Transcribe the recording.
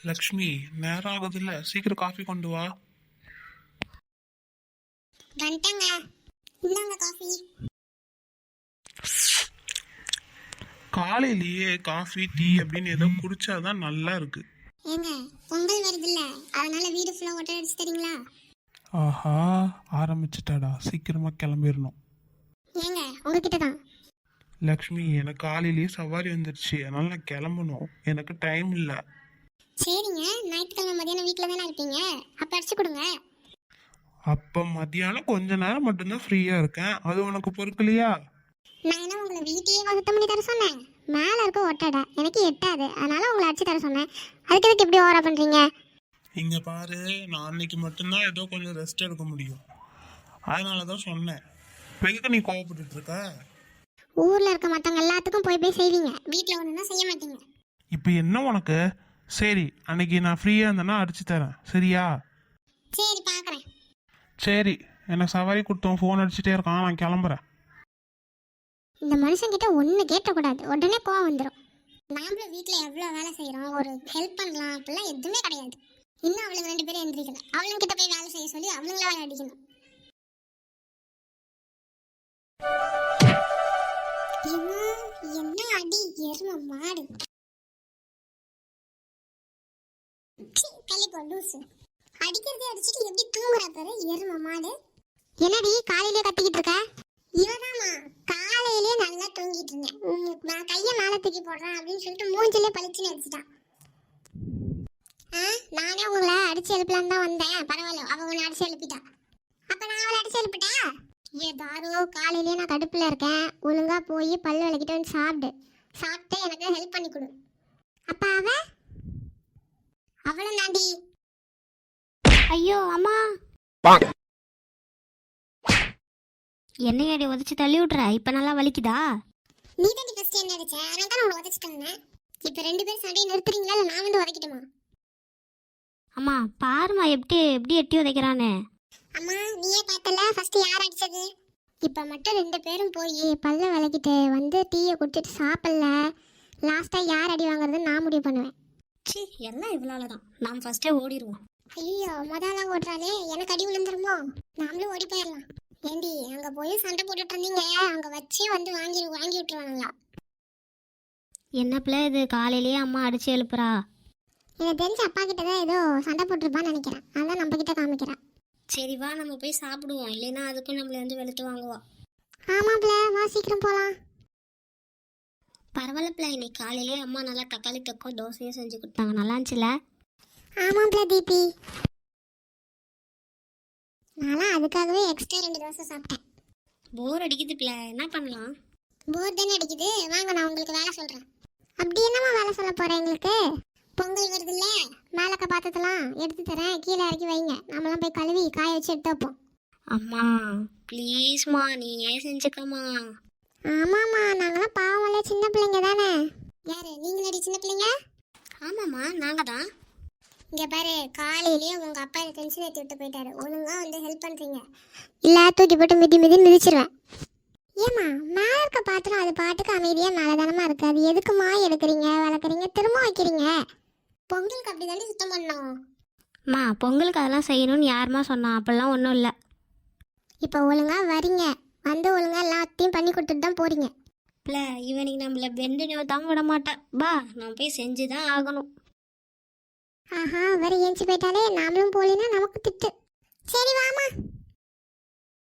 லக்ஷ்மி, நேரம் ஆகுதுல்ல, சீக்கிரம் காஃபி கொண்டு வா. வந்துட்டங்க. இந்தாங்க காஃபி. காலையிலேயே காஃபி டீ அப்படின்னு ஏதோ குடிச்சாதான் நல்லா இருக்கு. ஏங்க, பொங்கல் வருதுல்ல, அதனால வீடு ஃபுல்லா ஒட்டடை அடிச்சு தரீங்களா? ஆஹா, ஆரம்பிச்சிட்டாடா, சீக்கிரமா கிளம்பிடணும். ஏங்க, உங்ககிட்ட தான். லக்ஷ்மி, எனக்கு காலையிலேயே சவாரி வந்துருச்சு, அதனால நான் கிளம்பணும், எனக்கு டைம் இல்லை. சரிங்க, ஞாயிற்றுக்கிழமை மதியானம் வீட்டில் தானே இருப்பீங்க, அப்போ அடிச்சு கொடுங்க. அப்போ மத்தியானம் கொஞ்ச நேரம் மட்டும்தான் ஃப்ரீயா இருக்கேன், அது உனக்கு பொறுக்கலையா? நான் என்ன உங்களை வீட்டையே சுத்தம் பண்ணி தர சொன்னேன்? மேலே இருக்க ஒட்டடை எனக்கு எட்டாது, அதனால உங்களை அடிச்சு தர சொன்னேன். அதுக்கு எதுக்கு எப்படி ஓவரா பண்ணுறீங்க? இங்க பாரு, நான் அன்னைக்கு மட்டும்தான் ஏதோ கொஞ்சம் ரெஸ்ட் எடுக்க முடியும், அதனாலதான் சொன்னேன். எதுக்கு நீ கோவப்பட்டு இருக்க? ஊரில் இருக்க மற்றவங்க எல்லாத்துக்கும் போய் போய் செய்வீங்க, வீட்டில் ஒன்றுனா செய்ய மாட்டீங்க. இப்போ என்ன உனக்கு? சரி, அன்னைக்கு நான் ஃப்ரீயா இருந்தேன்னா அடிச்சு தரேன், சரியா? சரி, பார்க்குறேன். சரி, எனக்கு சவாரி கொடுத்தோம், ஃபோன் அடிச்சுட்டே இருக்கான், நான் கிளம்புறேன். இந்த மனுஷங்கிட்ட ஒன்று கேட்டக்கூடாது, உடனே கோவம் வந்துடும். நாமளும் வீட்டில் எவ்வளோ வேலை செய்கிறோம், ஒரு ஹெல்ப் பண்ணலாம் அப்படிலாம் எதுவுமே கிடையாது. இன்னும் அவளுங்க 2 பேரும் எந்திரிக்கல, அவளுங்கிட்ட போய் வேலை செய்ய சொல்லி அவளுங்கள வேலை அடிக்கணும். என்ன அடி எரும மாடு. கள்ளிப்போ லூசு, அடிக்கிறதே அடிச்சுட்டு எப்படி தூங்குறா பாரு எரும மாடு. என்னடி காலையிலே கத்திக்கிட்டு இருக்க? இவதாமா, காலையிலே நல்லா தூங்கிட்டு இருந்தேன், நான் கையை மேலே தூக்கி போடுறேன் அப்படின்னு சொல்லிட்டு மூஞ்சிலே பளிச்சுன்னு அடிச்சிட்டான். நானே உங்களை அடிச்சு எழுப்பலான்னு தான் வந்தேன், பரவாயில்ல, அவ உன்னை அடிச்சு எழுப்பிட்டா. அப்ப நான் அவளை அடிச்சு எழுப்பிட்டா? ஏதாரோ, காலையிலேயே நான் கடுப்புல இருக்கேன், ஒழுங்கா போய் பல்லு விளக்கிட்டு வந்து சாப்பிட்டு எனக்கு ஹெல்ப் பண்ணி கொடு. அப்ப அவளும் தாண்டி. ஐயோ அம்மா, என்னையடி உதச்சி தள்ளி விட்ற? இப்ப நல்லா வலிக்குதா? நீ தாண்டி ஃபர்ஸ்ட் என்ன அடிச்ச, நான் தான் உங்களை உதச்சிட்டேன். இப்ப 2 பேரும் சண்டையை நிறுத்துறீங்களா இல்ல நான் வந்து உதைக்கட்டுமா? அம்மா பாருமா, எப்படி எப்படி எட்டி உதைக்கிறானே. அம்மா, நீயே பார்த்தல ஃபர்ஸ்ட் யார் அடிச்சது. இப்ப மட்டும் 2 பேரும் போய் பல்ல விளக்கிட்டு வந்து டீயை குடிச்சிட்டு சாப்பிடல, லாஸ்டா யார் அடி வாங்குறதுன்னு நான் முடிவு பண்ணுவேன். சி, எல்லாம் இவ்வளோ தான், நாம் ஃபர்ஸ்டே ஓடிடுவோம். ஐயோ, முதல்ல ஓட்டுறாளே, எனக்கு அடி விழுந்துருமோ? நாமளும் ஓடி போயிடலாம். ஏண்டி, அங்க போய் சண்டை போட்டுட்டு இருந்தீங்க, அங்க வச்சே வந்து வாங்கி விட்டுருவாங்களா? என்ன பிள்ளை இது, காலையிலேயே அம்மா அடிச்சு எழுப்புறா? எனக்கு தெரிஞ்ச அப்பா கிட்ட தான் ஏதோ சண்டை போட்டுருப்பான்னு நினைக்கிறேன், அதான் நம்ம கிட்ட காமிக்கிறேன். சரி வா, நம்ம போய் சாப்பிடுவோம், இல்லைன்னா அதுக்கும் நம்மள வந்து வெளுத்து வாங்குவா. ஆமாப்ல, வா சீக்கிரம் போலாம். பரவாயில்ல பிள்ளை, இன்னைக்கு காலையிலேயே அம்மா நல்லா தக்காளி தொக்கும் தோசையும் செஞ்சு கொடுத்தாங்க, நல்லா இருந்துச்சுல? ஆமாப்ல தீபி, நான்லாம் அதுக்காகவே எக்ஸ்ட்ரா 2 தோசை சாப்பிட்டேன். போர் அடிக்குது பிள்ளை, என்ன பண்ணலாம்? போர் தானே அடிக்குது, வாங்க நான் உங்களுக்கு வேலை சொல்றேன். அப்படி என்னமா வேலை சொல்ல போறேன்? எங்களுக்கு பொங்கல் வருதுல்ல, மேலக்க பாத்திரத்தெல்லாம் எடுத்து தரேன், கீழே இறக்கி வைங்க, நம்மளாம் போய் கழுவி காய வச்சு எடுத்து வைப்போம். அம்மா ப்ளீஸ்மா, நீ ஏன் செஞ்சுக்கம்மா. ஆமாம்மா, நாங்களாம் பாவம்ல, சின்ன பிள்ளைங்க தானே. யாரு நீங்களடி சின்ன பிள்ளைங்க? ஆமாம்மா, நாங்கள் தான். இங்கே பாரு, காலையிலேயே உங்க அப்பா டென்ஷன் ஏற்றி விட்டு போயிட்டாரு, ஒழுங்கா வந்து ஹெல்ப் பண்றீங்க இல்ல தூக்கி போட்டு மிதி மிதிச்சிருவேன். ஏமா, மேலே இருக்க பாத்திரம் அது பாட்டுக்கு அமைதியா மேலதானமா இருக்கு, அது எதுக்குமா எடுக்கிறீங்க, வளர்க்குறீங்க, திரும்ப வைக்கிறீங்க? பொங்கலுக்கு அப்படி தாண்டி சுத்தம் பண்ணோம். அம்மா, பொங்கலுக்கு அதெல்லாம் செய்யணும்னு யாருமா சொன்னா? அப்படிலாம் ஒன்றும் இல்லை. இப்போ ஒழுங்கா வரீங்க, வந்து ஒழுங்கா எல்லாத்தையும் பண்ணி கொடுத்துட்டு தான் போறீங்க. இல்லை, இவனுக்கு நம்மள பெண்டு தாங்க விட மாட்டேன், பா நம்ம போய் செஞ்சு தான் ஆகணும். ஆஹா, வர ஏஞ்சி போயிட்டாலே, நாமளும் போலினா நமக்கு திட்டு. சரி வா